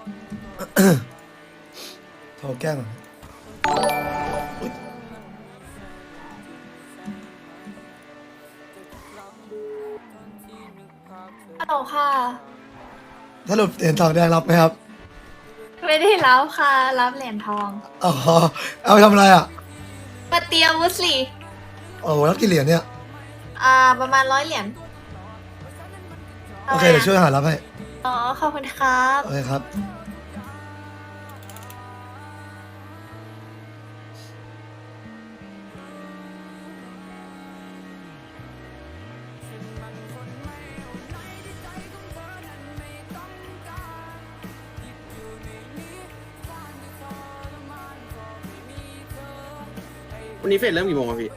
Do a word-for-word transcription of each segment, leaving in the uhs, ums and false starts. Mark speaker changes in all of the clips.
Speaker 1: โทรแกล้งก่อนอุ๊ย
Speaker 2: ฮัลโหลค่ะ
Speaker 1: สรุปเหรียญทองแดงรับไหมครับ
Speaker 2: ไม่ได้รับค่ะ รับเหรียญทอง
Speaker 1: อ๋อเอาไปทำอะไรอ่ะ
Speaker 2: มาเตรียมวุฒิ
Speaker 1: โอ้โหรับกี่เหรียญเนี่ย
Speaker 2: อ่า ประมาณร้อยเหรียญ
Speaker 1: โอเคเดี๋ยวช่วยหารับให้
Speaker 2: อ๋อ ขอบคุณครับ
Speaker 1: โอเคครับ
Speaker 3: วันนี้เฟสเริ่มกี่โมงครับพี่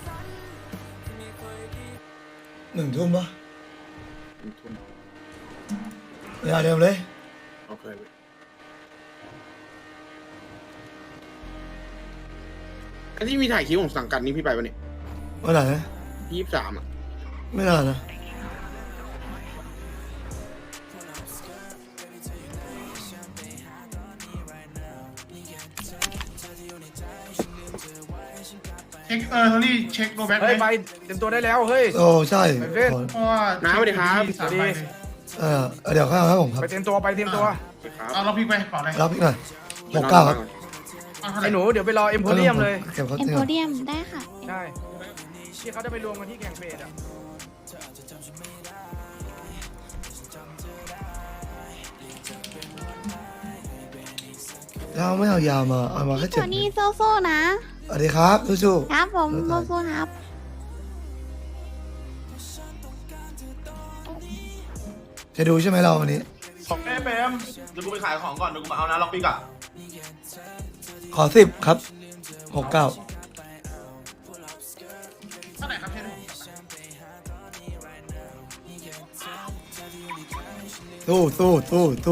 Speaker 1: หนึ่งทุ่มปะ
Speaker 3: ทุ่ม
Speaker 1: เวลาเดิมเลย
Speaker 3: โอเคพี่ไอ้ที่มีถ่ายคลิปของสังกัดนี้พี่ไปปะเนี่ย
Speaker 1: เมื่อไหร่นะ
Speaker 3: ยี่สิบสามอ่ะ
Speaker 1: ไม่นานนะ
Speaker 4: เช็คเออโทนี่เช็คโรแบ็ก
Speaker 5: เฮ้ย ไปเตรียมตัวได้แล้วเฮ้ย
Speaker 1: โอ้ใช่
Speaker 5: ไปเล่น
Speaker 1: ขอ
Speaker 4: เพราะว่า
Speaker 3: น้าสวัสดีครับ
Speaker 4: สามใบเลย
Speaker 1: เออเดี๋ยวข้าวครับผมครับ
Speaker 5: ไปเตรียมตัวไปเตรียมตัว
Speaker 3: ครับ
Speaker 4: เอาเราพี่ไปก่อนเลย
Speaker 1: รับอีกหน่อยหกเก้าครับ
Speaker 4: เอาเท่าไห
Speaker 5: ไอ้
Speaker 4: ร่
Speaker 5: หนูเดี๋ยวไปรอเอ็มโพเรียมเลย
Speaker 1: เก็บเขา
Speaker 6: เอ็ม
Speaker 1: เตี
Speaker 6: โพ
Speaker 1: ย
Speaker 6: เดียมได้ค่ะ
Speaker 5: ใช่ที่เขาจะไปรวมกันที่แข่งเฟสอ่ะ
Speaker 1: ยาวไม่เอายาวมาเอามาแค่
Speaker 6: โท
Speaker 1: เจ็ด
Speaker 6: นี่โซ่ๆนะ
Speaker 1: สวัสดีครับสู้
Speaker 6: ครับผมโซ่ๆครับ
Speaker 1: ๆจะดูใช่ไหมเราวันนี้
Speaker 7: ของแม่แบมเดี๋ยวกูไปขายของก่อนเดี๋ยวกูมาเอานะล็อกปิกอะ
Speaker 1: ขอสิบครับหกเก้า
Speaker 4: เท่าไหร่ครับเชน
Speaker 1: สู้สู้สู้สู้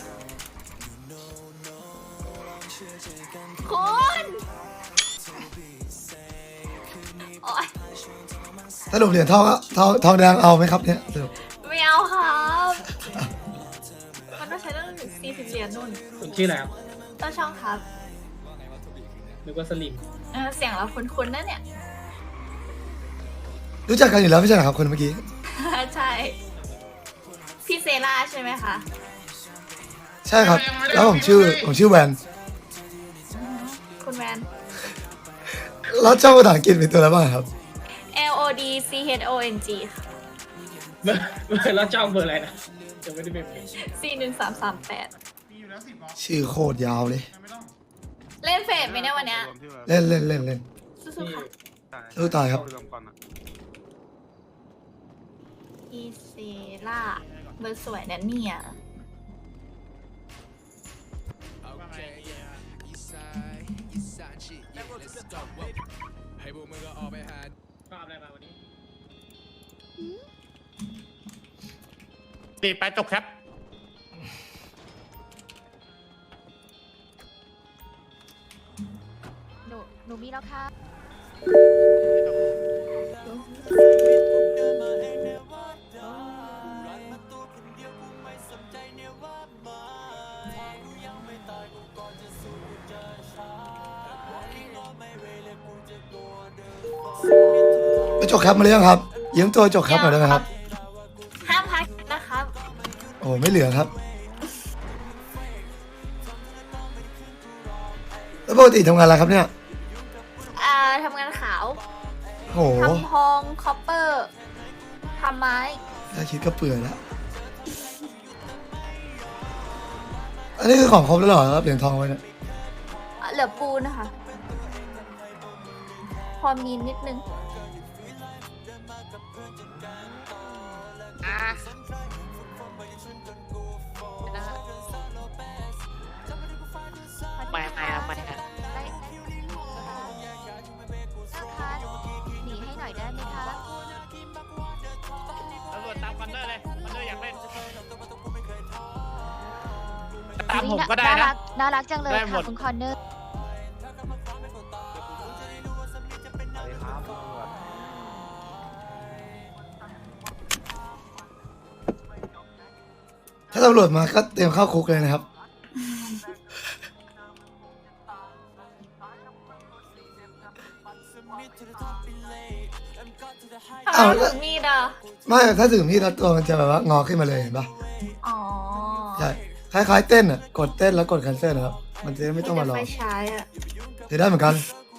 Speaker 2: คุณโอ๊ย
Speaker 1: สรุปเหรียญทองอะทองทองแดงเอาไหมครับเนี่ยสรุป
Speaker 2: ไม่เอาครับมันต้องใช้ตั้งถึงสี่สิบเหรียญนุ่น
Speaker 8: คุณชื่ออะไรครับ
Speaker 2: ต้นช่องครับ
Speaker 8: นึกว่าสลิม
Speaker 2: เออเสียงเราคุ้นๆนะเนี่ย
Speaker 1: รู้จักกันอยู่แล้วไม่ใช่เหรอครับคนเมื่อกี้
Speaker 2: ใช่ พี่เซล่าใช่ไหมคะ
Speaker 1: ใช่ครับ แล้วผมชื่อผมชื่อแวน
Speaker 2: คุณแวน
Speaker 1: แล้วเจ้าภาษาอังกฤษเป็นตัวอะไรบ้างครับ
Speaker 2: L O D C H O N G ค่ะ
Speaker 8: เบอร์เบอร์แล้วจ้องเบอร์อะไรนะจะไม่ได้เป็น
Speaker 2: สี่หนึ่งสามสามแปด
Speaker 4: มีอยู่แล้วสิบหรอ
Speaker 1: ชื่อโคตรยาวเลย
Speaker 4: ไม่ต้อง
Speaker 2: เล่นเฟสไหมเนี่ยวันเนี้ย
Speaker 1: เล่นเล่นเล่นเล่น
Speaker 2: สู้ๆค่ะ
Speaker 1: สู้ตายครับ
Speaker 2: พี่เซล่าเบอร์สวยนะเนี่ย
Speaker 8: ภาพอะไรมาวันนี้
Speaker 7: ตีไปจบครับ
Speaker 6: หนู หนูมีแล้วค่ะ
Speaker 1: ไปจบครับมาเรื่องครับยืมตัวจบครับหน่อยได้ไหมครับ
Speaker 2: ห้ามพักนะครับ
Speaker 1: โอ้ไม่เหลือครับแล้วปกติทำงานอะไรครับเนี่ย
Speaker 2: อ่าทำงานขาว
Speaker 1: โห
Speaker 2: ทำทอง คอปเปอร์ ทำไม้
Speaker 1: ถ้าคิดก็เปื่อยแล้วอันนี้คือของครบแล้วเหรอครับเหรียญทองไว้เนี่ย
Speaker 2: อ่ะเหลือปูนนะคะ พอมีนิดนึง
Speaker 6: ไปไปครับไปครับได้นะคะหนีให้หน่อยได้ไหมคะ
Speaker 7: ตำรวจตามคอนเนอร์เลยคอนเนอร์อยากเล่น
Speaker 6: ตามผมก็ได้นะ น่ารักน่ารักจังเลย
Speaker 7: ได้หม
Speaker 6: ค่ะ
Speaker 7: ด
Speaker 6: คุณคอนเนอร์
Speaker 1: ถ้าตำรวจมาก็เตรียมเข้าคุกเลยนะครับอ้าว
Speaker 2: ถึงมีดอ่ะ
Speaker 1: ไม่ถ้าถึงพี่แล้วตัวมันจะแบบว่างอขึ้นมาเลยเห็นปะ
Speaker 2: อ๋อ
Speaker 1: ใช่คล้ายๆเต้นอ่ะกดเต้นแล้วกดแคนเซิลนะครับมันจะไม่ต้องมารอ
Speaker 2: ไฟฉายอ่ะ
Speaker 1: จะได้เหมือนกัน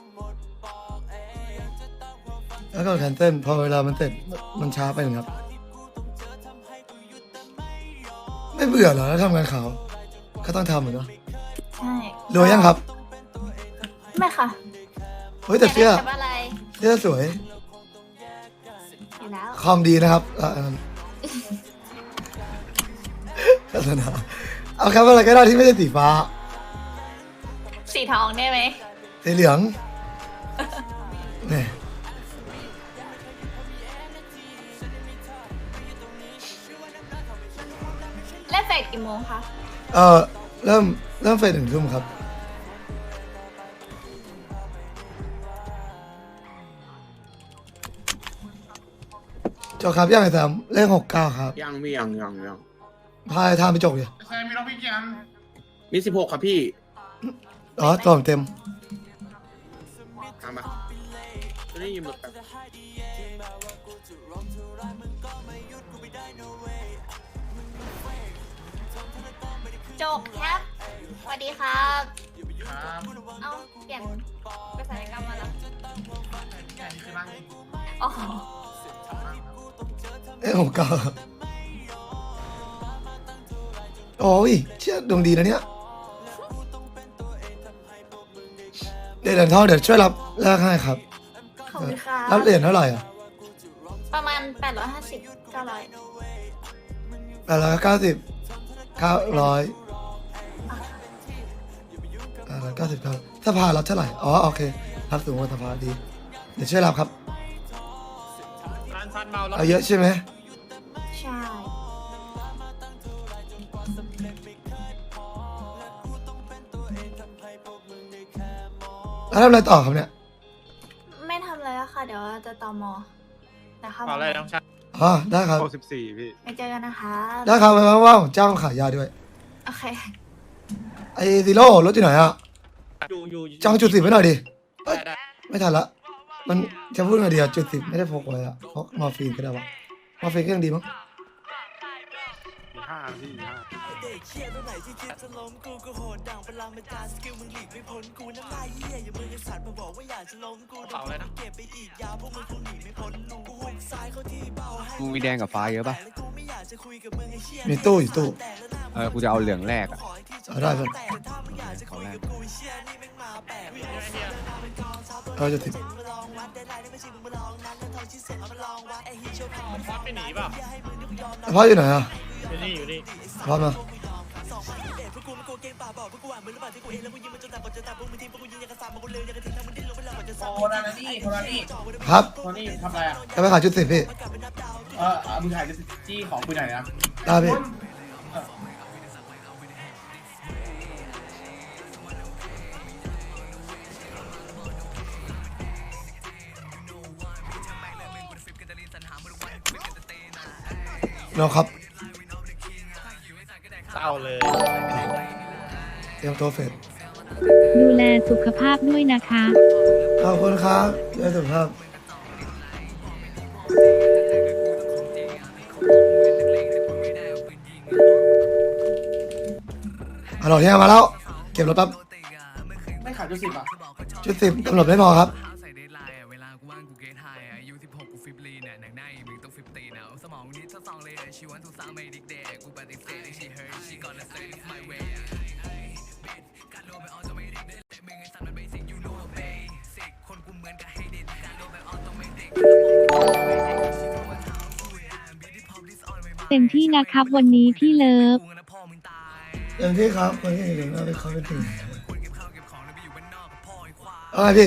Speaker 1: แล้วก็แคนเซิลพอเวลามันเสร็จมันช้าไปหนึ่งครับ ไม่เบื่อเหรอแล้วทำงานขาวก็ต้องทำเหมือนเนาะ
Speaker 2: ใช่
Speaker 1: รวยยังครับ
Speaker 2: ไม่ค่ะ
Speaker 1: เฮ้ยแต่เสื้อ
Speaker 2: อยากได้แบบอะไร
Speaker 1: เสื้อสวย
Speaker 2: อยู่แล้ว
Speaker 1: คอมดีนะครับอ่ะอันนั้นโฆษณาเอาครับอะไรก็ได้ที่ไม่ใช่สีฟ้า
Speaker 2: สีทองได้ไหม
Speaker 1: สีเหลืองเนี่ย
Speaker 2: เล่นเฟสกี่โมงคะ
Speaker 1: เออเริ่มเริ่มเฟสหนึ่งทุ่มครับจบครับยังไงแซมเลขหกเก้าครับ
Speaker 3: ยังพี่ยังยังยัง
Speaker 1: พายทามไปจบเลย
Speaker 4: แซมมีน้องพี่กี่อัน
Speaker 3: มีสิบหกครับพี่
Speaker 1: อ๋อตัวผมเต็ม
Speaker 3: ทำปะจะได้ยินแบบแบบ
Speaker 2: จบครับสวัสดีครับ
Speaker 4: ครับ
Speaker 2: เอาเปลี่ยนไปศัลยกรรมมาแล้ว
Speaker 4: แค่นี้คือนั่ง
Speaker 2: อ๋อ
Speaker 1: เลขหกเก้าโอ้ยเชื่อดวงดีนะเนี่ยเดี๋ยวเหรียญทองเดี๋ยวช่วยรับแลกให้ครับ
Speaker 2: ขอบคุณครั
Speaker 1: รับบ เหรียญเท่าไหร่อ่ะ
Speaker 2: ประมาณแปดร้อยห้าสิบเก้าร้อย
Speaker 1: แปดร้อยเก้าสิบเก้าร้อยแปดร้อยเก้าสิบเก้าสภารับเท่าไหร่อ๋อโอเครับสูงกว่าสภาดีเดี๋ยวช่วยรับครับ
Speaker 8: ร้านซันเมาแล้ว
Speaker 1: เอาเยอะใช่ไหม
Speaker 2: ใช่
Speaker 1: แล้วทำอะไรต่อครับเนี่ย
Speaker 2: ไม่ทำอะไรแล้วค่ะ เดี๋ยวจะต่อมอนะคะ
Speaker 8: เปล่าอะไรน้องชาย
Speaker 1: อ๋อได้ครับ
Speaker 7: หกสิบสี่พี่
Speaker 2: ไปเจอกันนะคะ
Speaker 1: ได้ครับไม่ว่างๆผมจ้างขายยาด้วย
Speaker 2: โอเค
Speaker 1: ไอ้ซีโร่รถอยู่ไหนอ่ะ
Speaker 8: อยู่อยู่
Speaker 1: จองจุดสิบไว้หน่อยดิเอ้ย
Speaker 8: ได้ได้
Speaker 1: ไม่ทันละ มันจะพูดไงดีอะจุดสิบไม่ได้พกไว้อะพกมอร์ฟีนก็ได้วะมอร์ฟีนก็ยังดีมั้ง
Speaker 7: ห้าพี่ห้า
Speaker 8: เปล่าอะไรนะ
Speaker 9: มึงมีแดงกับฟ้าเยอะป่ะ
Speaker 1: มีตู้อยู่ตู้
Speaker 9: เออ กูจะเอาเหลืองแรกอ่ะ
Speaker 1: เอาได้ครับ
Speaker 9: ขอแรก
Speaker 1: เอาจุดสิบ
Speaker 8: ฟอสไปหนีเปล่า
Speaker 1: พ่ออยู่ไหนอะ
Speaker 8: อยู่นี่อยู่นี่
Speaker 1: พ่อมา
Speaker 4: โอ้นานี่โทนานี่
Speaker 1: ครับ
Speaker 4: โทนี่ทำอะไรอ่ะ
Speaker 1: จะไปขายจุดสิบพี่
Speaker 4: เออเอามึงถ่ายจี้ของคุยหน่อยนะ
Speaker 1: ได้พี่เราครับ
Speaker 8: เศร้าเลย
Speaker 1: เตรียมตัวเฟส
Speaker 10: ดูแลสุขภาพด้วยนะคะ
Speaker 1: ขอบคุณครับด้วยสุขภาพฮัลโหลเนี่ยมาแล้ว เก็บรถแป๊บ
Speaker 4: ไม่ขายจุดสิบอ่ะ
Speaker 1: จุดสิบกำหนดไม่พอครับ
Speaker 10: เต็มที่นะครับวันนี้พี่เลิฟ
Speaker 1: อย่างที่ครับคนที่เห็นเราไปเขาเป็นถึงอะไรพี่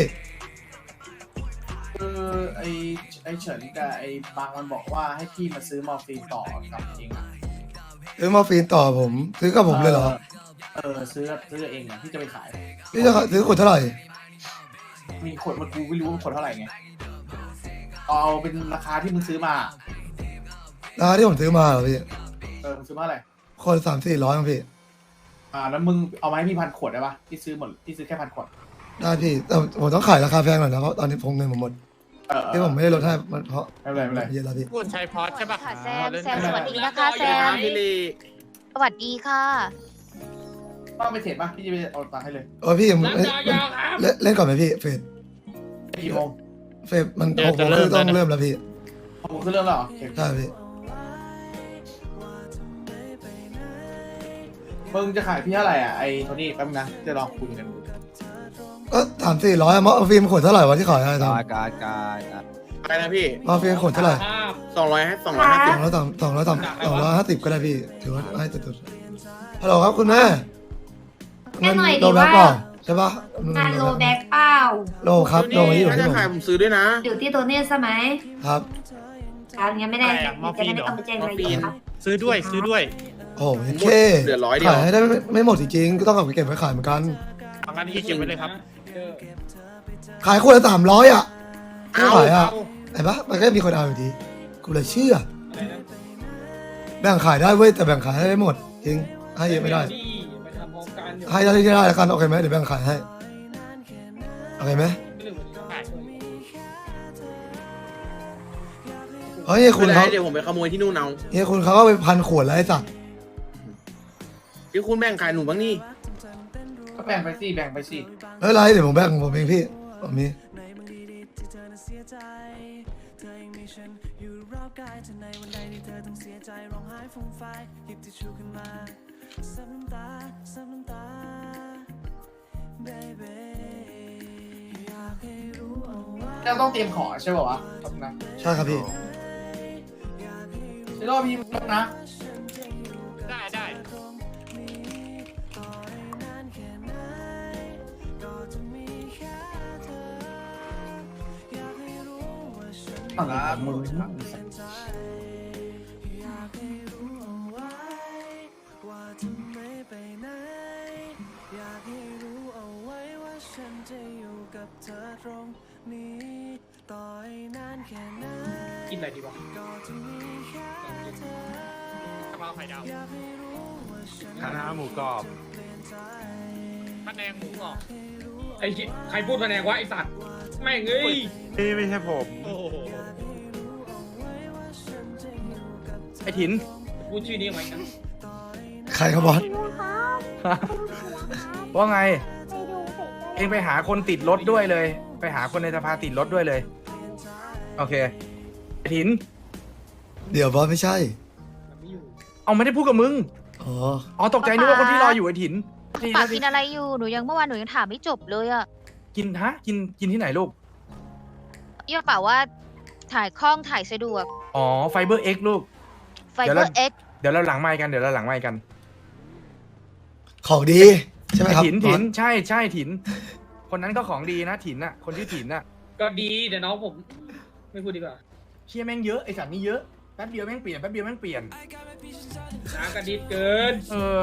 Speaker 4: คือไอไอเฉินกับไอบางมันบอกว่าให้พี่มาซื้อมอร์ฟีนต่อกับเองอ่ะ
Speaker 1: ซื้อมอร์ฟีนต่อผม ซื้อกับผมเลยเหรอ
Speaker 4: เออซื้อซื้อเองอ่ะพี่จะไปขาย
Speaker 1: พี่จะซื้อขวดเท่าไหร่
Speaker 4: มีขวดมันกูไม่รู้ว่าขวดเท่าไหร่ไงเอาเป็นราคาที่มึงซื้อมา
Speaker 1: ราคาที่ผมซื้อมาเหรอพี่
Speaker 4: เออมึงซื้อมาอะไร
Speaker 1: คนสามสี่ร้อยมั้งพี่
Speaker 4: อ่าแล้วมึงเอามาให้พี่พันขวดได้ปะพี่ซื้อหมดพี่ซื้อแค่พันขวด
Speaker 1: ได้พี่แต่ผมต้องขายราคาแพงหน่อยนะเพราะตอนนี้ผมเงินผมหมด
Speaker 4: เออ
Speaker 1: ที่ผมไม่ได้ลดให้มันเพราะ
Speaker 4: ไม่เป็นไรไม่เป็นไร
Speaker 1: เยอะแล้วพี่
Speaker 8: คุณชัยพอสใช่ปะ
Speaker 6: ค่ะแซมแซมสวัสดีนะคะแซม
Speaker 3: พี่ลี
Speaker 6: สวัสดีค่ะ
Speaker 4: ต้องไปเทรดป่ะพี่จะไปเอาตังค์ให้เลย
Speaker 1: โอ้ยพี่ยัง
Speaker 8: รับ
Speaker 1: เล่น
Speaker 8: ยาวๆครับ
Speaker 1: เล่นเล่นก่อนไหมพี่เฟด
Speaker 4: กี่โมง
Speaker 1: เฟดมันหกโมงครึ่งต้องเริ่มแล้วพี่
Speaker 4: ผมคือเรื่องแล้วเหรอโอเค
Speaker 1: ใช่พี่
Speaker 4: มึงจะขายพี่เท่าไหร่อ่ะไอ้โทนี่แป๊บนึงนะจะลองคุยกันดู
Speaker 1: ก็สามสี่ร้อยมาฟิล์มขวดเท่าไหร่วะที่ขายอะไรท
Speaker 9: การการการอ่ะ
Speaker 3: อะไรนะพี่
Speaker 1: ำมาฟิล์มขวดเท่าไหร่
Speaker 8: ภาพ
Speaker 3: สองร้อยให้สองร้อยห้า
Speaker 1: ส
Speaker 3: สิ
Speaker 1: อบ งร้อยสามสองร้อยสามสองร้อยห้าสิบก็ได้พี่ถือว่าให้สุดๆฮัลโหลครับคุณแม่
Speaker 2: แค่หน่อย
Speaker 1: โล
Speaker 2: ดี
Speaker 1: แบ็
Speaker 2: ว่า
Speaker 1: คเปล่าใช่ปะ
Speaker 2: งานโลแบ็กเปล่า
Speaker 1: โลครับโลที่อยู่
Speaker 3: ถ้า
Speaker 1: ที่
Speaker 3: จะ
Speaker 1: ผม
Speaker 3: ขายผมซื้อด้วยนะ
Speaker 2: อยู่ที่ตัวเนี้ใช่ไหม
Speaker 1: ครับ
Speaker 2: ครับงั้นไม่ได้
Speaker 8: อะไรอะมอร์ฟี
Speaker 2: จะ
Speaker 8: น
Speaker 2: ได้
Speaker 8: เหรอ
Speaker 2: ไม่ต้องไปแจ้งรายละเอียดครับ
Speaker 8: ซื้อด้วยซื้อด้วย
Speaker 1: โอ้โห
Speaker 3: หมด
Speaker 1: เค
Speaker 3: เหลือร้อยเดียว
Speaker 1: ขายให้ได้ไม่ไม่หมดจริงๆก็ต้องเอาไปเก็บไว้ขายเหมือนกัน
Speaker 8: เอางั้นที่เก็บไว้เลยครับ
Speaker 1: ขายขวดละสามร้อยอ่ะไม่
Speaker 3: เอา
Speaker 1: ขายอ่ะ
Speaker 3: เอา
Speaker 1: เห็นปะมันก็มีคนเอาอยู่ดีกูเลยเชื่อแบ่งขายได้เว้ยแต่แบ่งขายให้ไม่หมดจริงให้เยอะไม่ได้
Speaker 8: ไปทำพร้อมกันอยู่
Speaker 1: ให้ได้ที่ได้แล้วกันโอเคไหมเดี๋ยวแบ่งขายให้โอเคไหมเฮ้ยคุ
Speaker 3: ไม่
Speaker 1: ณ
Speaker 3: ได้
Speaker 1: เขา
Speaker 3: เดี๋ยวผมไปขโมยที่นู่นเอา
Speaker 1: เฮ้ยคุณเขาก็ไปพันขวดแล้วไอ้สัตว์
Speaker 3: พี่คุณแบ่งขายหนูบ้างนี่
Speaker 4: ก็แบ่งไปสิแบ่งไปสิ
Speaker 1: ไม่เป็นไรเดี๋ยวผมแบ่งของผมเองพี่ผมมี
Speaker 4: เราต้องเตรียมของใช่ป่าววะครับนะ
Speaker 1: ใช่ครับพี่
Speaker 4: เดี๋ยวรอพี่นะ
Speaker 8: ได้ได้
Speaker 4: ครับมึง
Speaker 8: กินอะไรดีวะกะเพราไข่ดาวคณะหมูกรอบพะแนงหมูกรอบไอ้ชิใครพูดพะแนงวะไอ้สัตว์แม่งเอ้ย
Speaker 5: นี่ไม่ใช่ผม
Speaker 8: โอ้โห
Speaker 5: ไอ้ถิน
Speaker 8: พูดชื่อนี้ไว้นะ
Speaker 1: ใครครับบอส
Speaker 5: ว่าไง เองไปหาคนติดรถด้วยเลย ไปหาคนในสภาติดรถด้วยเลย โอเคไอ้ถิน
Speaker 1: เดี๋ยวบอสไม่ใช่
Speaker 8: ไม่อยู่
Speaker 5: เอาไม่ได้พูดกับมึง
Speaker 1: อ๋อ
Speaker 5: อ๋อตกใจนึกว่าคนที่รออยู่ไอ้ถิน
Speaker 6: ปากกินอะไรอยู่หนูยังเมื่อวานหนูยังถามไม่จบเลยอะ
Speaker 5: กินฮะกินกินที่ไหนลูก
Speaker 6: เอี่ยเปล่าว่าถ่ายคล่องถ่ายสะดวก
Speaker 5: อ๋อไฟเบอร์เอ็กลูก
Speaker 6: ไฟ
Speaker 5: เดี๋ยว
Speaker 6: เบอ
Speaker 5: เรา
Speaker 6: ร์เอ็ก
Speaker 5: เดี๋ยวเราหลังไมค์กันเดี๋ยวเราหลังไมค์กัน
Speaker 1: ของดีใช่ไหม
Speaker 5: ไอ้
Speaker 1: ครับ
Speaker 5: ถิน
Speaker 1: บ
Speaker 5: ถิ
Speaker 1: อส
Speaker 5: นใช่ใช่ถิน คนนั้นก็ของดีนะถินน่ะคนที่ถินน่ะ
Speaker 8: ก็ดีเดี๋ยวน้องผม ไม่พูดดีกว่า
Speaker 5: เชี่ยแม่งเยอะไอสัตว์นี่เยอะแป๊บเดียวแม่งเปลี่ยนแป๊บเดียวแม่งเปลี่ยน
Speaker 8: น้ำกระดิดเกิน
Speaker 5: เออ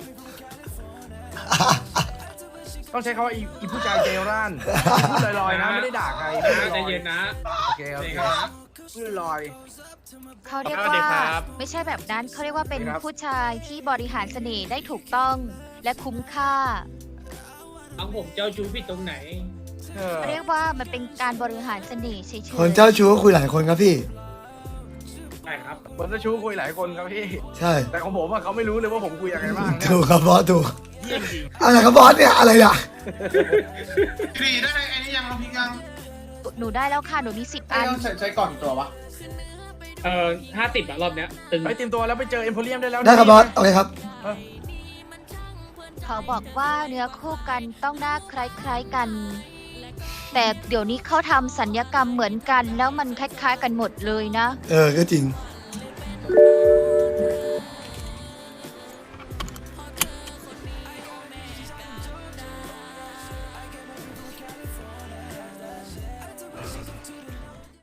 Speaker 5: ต้องใช้คำว่าอีอีผู้ชายเจร่านพูดลอยๆนะไม่ได้ด่าใครพูดล
Speaker 8: ใจ
Speaker 5: อย
Speaker 8: เย็นนะ
Speaker 5: ๆโอเคโอ
Speaker 8: ใจ
Speaker 5: เค
Speaker 8: เย็นนะ
Speaker 5: พูดลอย
Speaker 6: เขาเรียก
Speaker 8: สวัสดี
Speaker 6: ว่า
Speaker 8: ครับ
Speaker 6: ไม่ใช่แบบนั้นเขาเรียกว่าเป็น
Speaker 5: ครับ
Speaker 6: ผู้ชายที่บริหารเสน่ห์ได้ถูกต้องและคุ้มค่า
Speaker 8: น้องผมเจ้าชู้ผิดตรงไหน
Speaker 5: เออ
Speaker 6: เขาเรียกว่ามันเป็นการบริหารเสน่ห์เฉยๆ
Speaker 1: คนเจ้าชู้ก็คุยหลายคนครับพี่
Speaker 8: ใช่ครับ
Speaker 5: คนเจ้าชู้คุยหลายคนครับพี่
Speaker 1: ใช่
Speaker 5: แต่ของผมอะเขาไม่รู้เลยว่าผมคุยอะไรบ้างเนี่ย
Speaker 1: ถูกครับบอสถูก
Speaker 5: เยี่ยมจริง
Speaker 1: อะไรครับบอสเนี่ยอะไรเนี่ย
Speaker 7: พี่ได้ไอ้นี่ยังเราพี่ยัง
Speaker 6: หนูได้แล้วค่ะหนูมีสิบ
Speaker 4: ไอ้
Speaker 6: อัน
Speaker 4: ต้องใช้ใช้ก่อนตัววะ
Speaker 8: เอ่อห้าสิบอะรอบเนี้ยตึง
Speaker 5: ไปเตรียมตัวแล้วไปเจอเอ็มโพเรียมได้แล้ว
Speaker 1: ได้ครับบอสโอเคครับ
Speaker 6: เขาบอกว่าเนื้อคู่กันต้องหน้าคล้ายๆกัน แต่เดี๋ยวนี้เขาทำสัญญกรรมเหมือนกันแล้วมันคล้ายๆกันหมดเลยนะ
Speaker 1: เออก็จริง
Speaker 6: เ